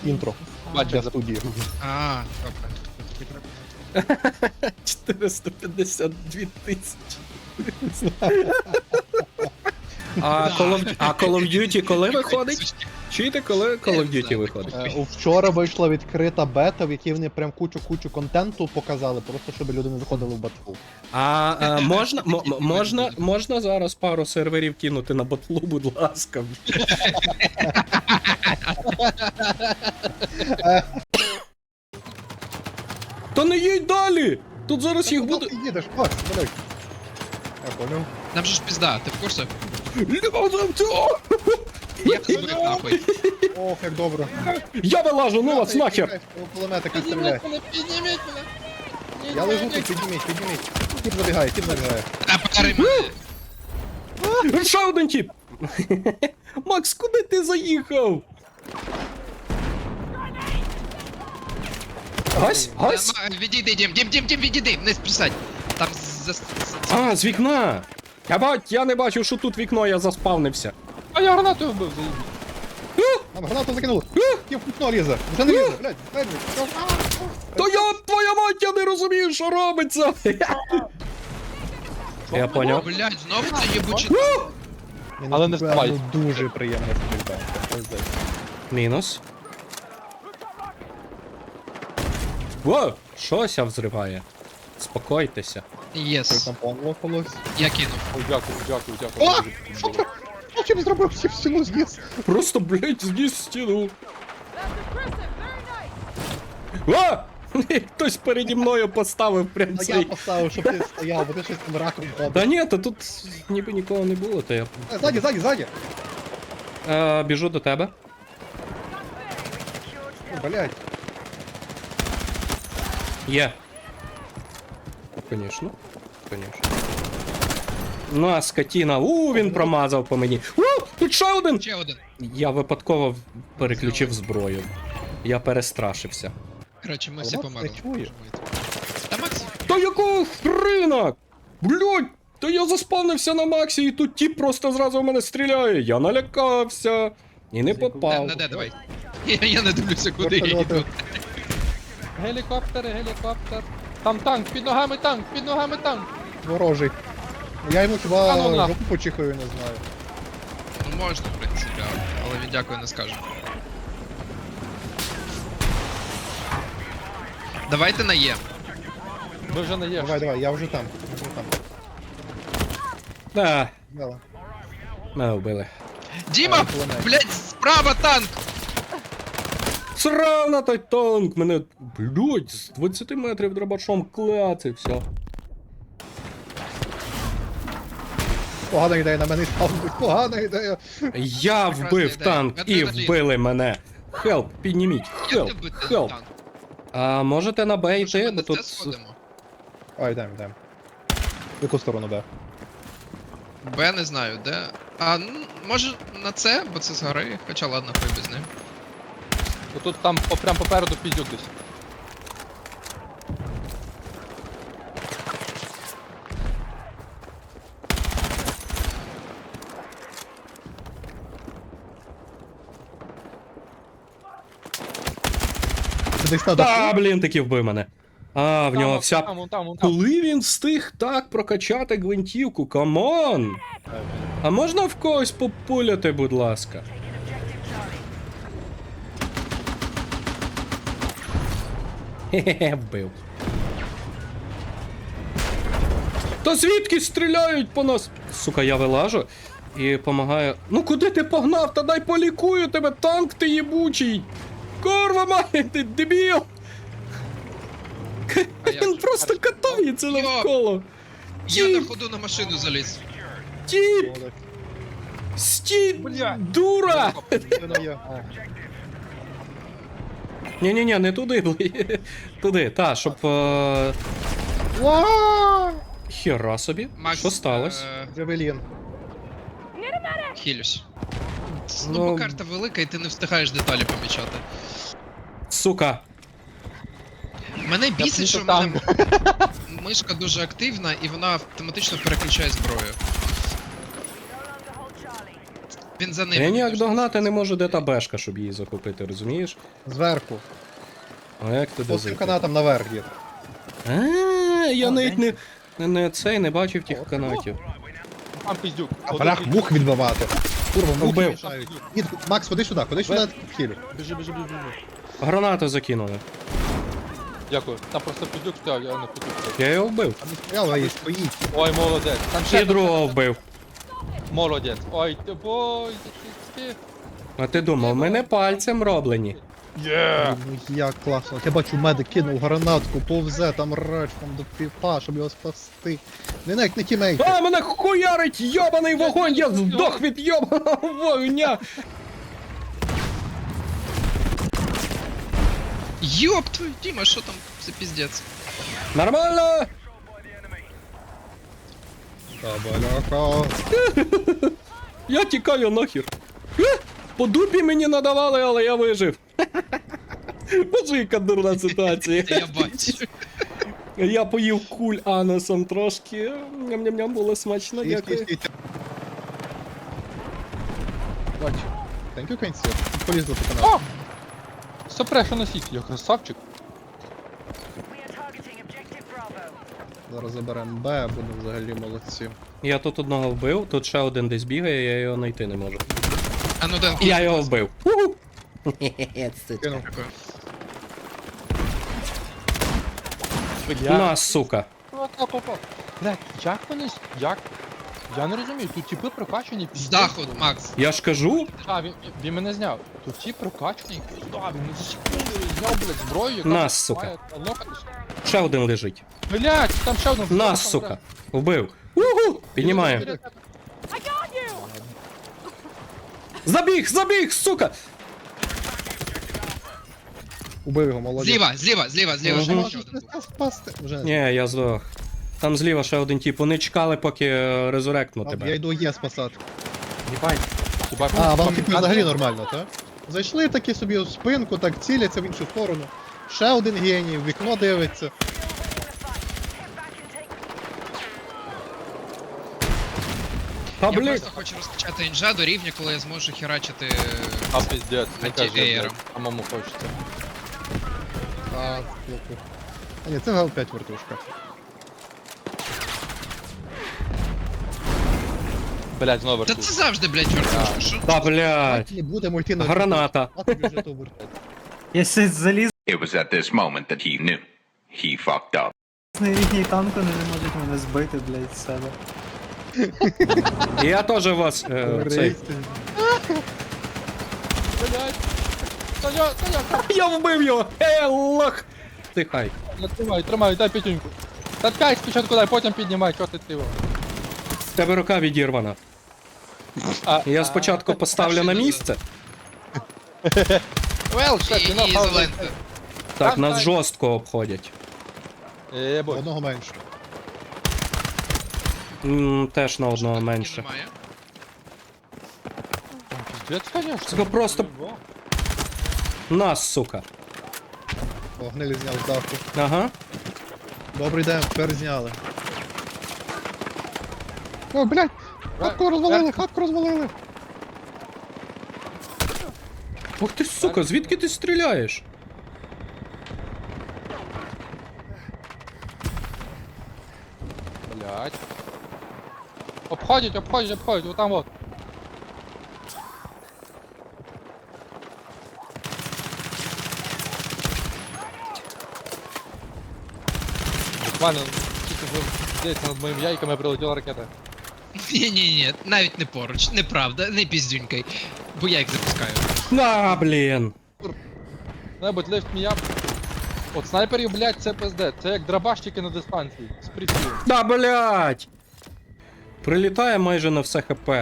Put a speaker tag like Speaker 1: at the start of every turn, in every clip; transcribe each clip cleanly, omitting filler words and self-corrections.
Speaker 1: інтро для студії.
Speaker 2: А, добре.
Speaker 3: 452 тисячі. А Call of Duty коли виходить? Чуєте, коли Call of Duty виходить?
Speaker 1: Вчора вийшла відкрита бета, в якій вони прям кучу контенту показали, просто щоб люди не заходили в батлу.
Speaker 3: А можна зараз пару серверів кинути на батлу, будь ласка. Та не їдь далі! Тут зараз їх буде.
Speaker 1: Ти їдеш, Макс, блядь. Я понял.
Speaker 2: Нам же ж пізда, ти в курсі? Я тебе нахуй.
Speaker 1: Ох, як добре.
Speaker 3: Я вилажу, ну вас нахер!
Speaker 1: Кулеметика стріляє.
Speaker 2: Підніміть мене.
Speaker 1: Я лежу тут, підніміть. Тіп забігає.
Speaker 2: А пари мене.
Speaker 3: Ще один тип! Макс, куди ти заїхав? Гась?
Speaker 2: Відійди, Дім, відійди, не списать. Там
Speaker 3: А, з вікна! Я не бачив, що тут вікно, я заспавнився.
Speaker 4: А я гранатою вбив, заїб.
Speaker 1: Нам гранату закинули. Тіп в вікно лізе. Вже не лізе, блядь.
Speaker 3: То я, твоя мать, я не розумію, що робиться! Я поняв.
Speaker 2: Блядь, знову це єбучий.
Speaker 4: Але не вставай.
Speaker 1: Дуже приємно стрільба.
Speaker 3: Мінус. Во! Щося взриває. Спокойтеся.
Speaker 2: Єс.
Speaker 1: Там лопалось.
Speaker 2: Я кинув.
Speaker 4: Ой, дякую.
Speaker 1: О! Що ти? Що ти зробив? Всі в стіну з'їз.
Speaker 3: Просто, блядь, зніс стіну. О! Хтось переді мною поставив прям
Speaker 1: А я
Speaker 3: цей.
Speaker 1: поставив, щоб ти стояв, бо ти щось там раком ходиш.
Speaker 3: Та ні, та тут ніби нікого не було, то я.
Speaker 1: Ззаді.
Speaker 3: Біжу до тебе.
Speaker 1: Блядь.
Speaker 3: Є. Конечно. Ну, а скотіна. Він промазав по мені. Тут ще один!
Speaker 2: Ще один.
Speaker 3: Я випадково переключив зброю. Я перестрашився.
Speaker 2: Коротше, ми всі
Speaker 1: Макс
Speaker 2: померли.
Speaker 1: не чує.
Speaker 2: Та Макс,
Speaker 3: Та якого хрена? Блядь! Та я заспавнився на Максі і тут тіп просто зразу в мене стріляє. Я налякався. І не попав.
Speaker 2: де, давай. Я не дивлюся, куди я
Speaker 1: Вертольоти.
Speaker 2: йду.
Speaker 4: Гелікоптер. Там танк, під ногами танк.
Speaker 1: Ворожий. Я йому
Speaker 4: А, ну,
Speaker 1: хіба
Speaker 4: на.
Speaker 1: жопу почихаю, не знаю.
Speaker 2: Ну можна, в принципі, але він дякую не скаже. Давайте на Є.
Speaker 4: Ви вже не є.
Speaker 1: Давай, я вже там.
Speaker 3: Да,
Speaker 1: Дала.
Speaker 3: мене вбили.
Speaker 2: Діма!
Speaker 1: кулемет.
Speaker 2: Блять, справа танк!
Speaker 3: Срав на той танк! Мене, блядь, з 20 метрів дробашом клацався.
Speaker 1: Погана ідея на мене спав. Погана ідея.
Speaker 3: Я вбив
Speaker 2: ідея.
Speaker 3: танк і
Speaker 2: Медведь.
Speaker 3: вбили мене. Хелп, підніміть.
Speaker 2: Як ти вбити
Speaker 3: Хелп.
Speaker 2: танк?
Speaker 3: А можете на Б
Speaker 2: Може,
Speaker 3: йти,
Speaker 2: ми
Speaker 3: бо
Speaker 2: на
Speaker 3: тут...
Speaker 2: це сходимо?
Speaker 1: Ой, йдем. В яку сторону, да?
Speaker 2: Б не знаю, де. А, ну, може на це, бо це згори, хоча ладно, хуй без ним.
Speaker 4: Тут там прям попереду піздюк десь.
Speaker 1: Десь на
Speaker 3: Та,
Speaker 1: даху.
Speaker 3: блін, таки вбив мене. А, в нього вся...
Speaker 4: Вон там.
Speaker 3: Коли він встиг так прокачати гвинтівку? Камон! А можна в когось популяти, будь ласка? Хе-хе, вбив. Та звідки стріляють по нас? Сука, я вилажу і помагаю. Ну куди ти погнав? Та дай полікую тебе, танк ти єбучий! Корва має, ти дебіл! Він просто катається
Speaker 2: Йо!
Speaker 3: навколо.
Speaker 2: Я на
Speaker 3: Тіп,
Speaker 2: ходу на машину заліз.
Speaker 3: тіп, стій, дура! Ні-ні-ні, не туди, туди, та, щоб... Хера собі,
Speaker 2: Макс,
Speaker 3: що сталося?
Speaker 1: Джавелін.
Speaker 2: Хілюсь.
Speaker 3: Ну,
Speaker 2: Ну, бо карта велика і ти не встигаєш деталі помічати.
Speaker 3: Сука.
Speaker 2: Мене бісить,
Speaker 4: не
Speaker 2: що в
Speaker 4: то
Speaker 2: мене мишка дуже активна і вона автоматично переключає зброю. Він за ним.
Speaker 3: Я ніяк догнати не можу, де та бешка, щоб її захопити, розумієш?
Speaker 1: Зверху.
Speaker 3: А як туди
Speaker 1: По цим
Speaker 3: зайти?
Speaker 1: канатам наверх є.
Speaker 3: Я навіть не бачив тих канатів.
Speaker 4: Там піздюк.
Speaker 1: А брах мух відбивати. Курва, мухи
Speaker 3: Вбив.
Speaker 1: мішають. Ні, Макс, ходи сюди, в хілю.
Speaker 4: Біжи.
Speaker 3: Гранату закинули.
Speaker 4: Дякую. Там просто піздюк стояв, я не хотів.
Speaker 3: Я його вбив.
Speaker 1: А не стояла і стоїть.
Speaker 4: Ой, молодець. Там
Speaker 3: І
Speaker 4: ще
Speaker 3: другого вбив.
Speaker 4: молодець. Ой, ти бой, ти.
Speaker 3: А ти думав, мене пальцем роблені.
Speaker 4: Є!
Speaker 1: Ну як класно. Я бачу, медик кинув гранатку, повзе там речком до піпа, щоб його спасти. Не навіть не тімейти.
Speaker 3: А, мене хуярить йобаний вогонь, я здох від йобаного вогня.
Speaker 2: Йоп твою, Діма, що там за піздець?
Speaker 3: Нормально?
Speaker 1: Табаляка.
Speaker 3: Я тікаю нахер. По дупі мені надавали, але я вижив. Боже, яка дурна ситуація.
Speaker 2: Я бачу.
Speaker 3: Я поїв куль анусом трошки. Ням-ням-ням, було смачно, дякую.
Speaker 4: Бач.
Speaker 1: Thank you, Кенсі. Полізли по каналу.
Speaker 4: О! Сопреша носіть, я красавчик.
Speaker 1: Зараз заберемо Б, будемо взагалі молодці.
Speaker 3: Я тут одного вбив, тут ще один десь бігає, я його знайти не можу.
Speaker 2: А ну Ден,
Speaker 3: Я його вбив. Уху.
Speaker 1: Кинув.
Speaker 2: Дякую.
Speaker 3: На, сука.
Speaker 4: Блядь, як вони... Як? Я не розумію, тут типи прокачані
Speaker 2: З даху, Макс.
Speaker 3: Я ж кажу,
Speaker 4: А, він мене зняв. Тут ті прокачані, да, він за секунду зняв, блядь, зброю, яка...
Speaker 3: Нас, сука.
Speaker 4: має лопатись.
Speaker 3: ще один лежить.
Speaker 4: Блядь, там ще один.
Speaker 3: Нас, сука. Вбив. Уху. Піднімаю. Забіг, сука.
Speaker 1: Убив його, молодець.
Speaker 2: Зліва, ще
Speaker 3: Мгм.
Speaker 2: один був.
Speaker 1: Спасти. Вже не
Speaker 3: Ні, я здох. Там зліва ще один тип. Вони чекали, поки резуректну
Speaker 1: знаю. Я
Speaker 3: тебе.
Speaker 1: йду Є спасати.
Speaker 4: Їбать. Їбать.
Speaker 1: А, вам типу взагалі нормально, так? Зайшли такі собі в спинку, так ціляться в іншу сторону. Ще один геній, в вікно дивиться.
Speaker 3: Та
Speaker 2: Я
Speaker 3: блін.
Speaker 2: просто хочу розкачати інжа до рівня, коли я зможу херачити.
Speaker 4: А, пиздец, не кажи,
Speaker 2: Антиеєром.
Speaker 4: блядь, самому хочеться.
Speaker 1: А, слухай. А ні, це Гал-5 вертушка.
Speaker 4: Блядь, знову
Speaker 2: Та
Speaker 4: вертух.
Speaker 2: це завжди, блядь, вертушка, що?
Speaker 3: Та блядь.
Speaker 1: Не будемо йти на
Speaker 3: Граната.
Speaker 1: А тобі вже то вертать.
Speaker 5: Якщо залізний
Speaker 6: It was at this moment that he knew. He fucked up.
Speaker 5: рідній танк, вони не можуть мене збити, блядь, з себе.
Speaker 3: Я теж вас. Цей.
Speaker 1: Користи.
Speaker 4: Блядь. Саня,
Speaker 3: Я вбив його! Лох! Тихай.
Speaker 4: тримай, дай п'ятюньку. Та ткай спочатку дай, потім піднімай, чого ти його.
Speaker 3: В тебе рука відірвана. Я спочатку поставлю на місце.
Speaker 4: Well, shit, you know
Speaker 2: І
Speaker 4: how
Speaker 2: ізолента.
Speaker 3: Так, нас жорстко обходять.
Speaker 4: Єбой.
Speaker 1: Одного менше.
Speaker 3: Теж на одного менше.
Speaker 2: Немає.
Speaker 4: Пиздец, конечно.
Speaker 3: Сука, просто- Нас, сука.
Speaker 1: О, гнилі зняв з даху.
Speaker 3: Ага.
Speaker 1: Добрий день, тепер зняли. О, блядь! Хатку розвалили!
Speaker 3: Ух ти, сука, звідки ти стріляєш?
Speaker 4: Блядь. Обходять, вот там вот. Буквально, тільки здається, над моїми яйками прилетіла ракета.
Speaker 2: Ні, навіть не поруч, неправда, не піздюнькай. Бо я їх запускаю.
Speaker 3: На, блін.
Speaker 4: Небудь lift me up. От снайперів, блядь, це пизде. Це як драбашчики на дистанції. З прицілом.
Speaker 3: Да, блядь. Прилітає майже на все хп.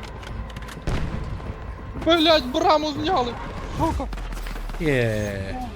Speaker 4: Блядь, браму зняли! Сука!
Speaker 3: Є.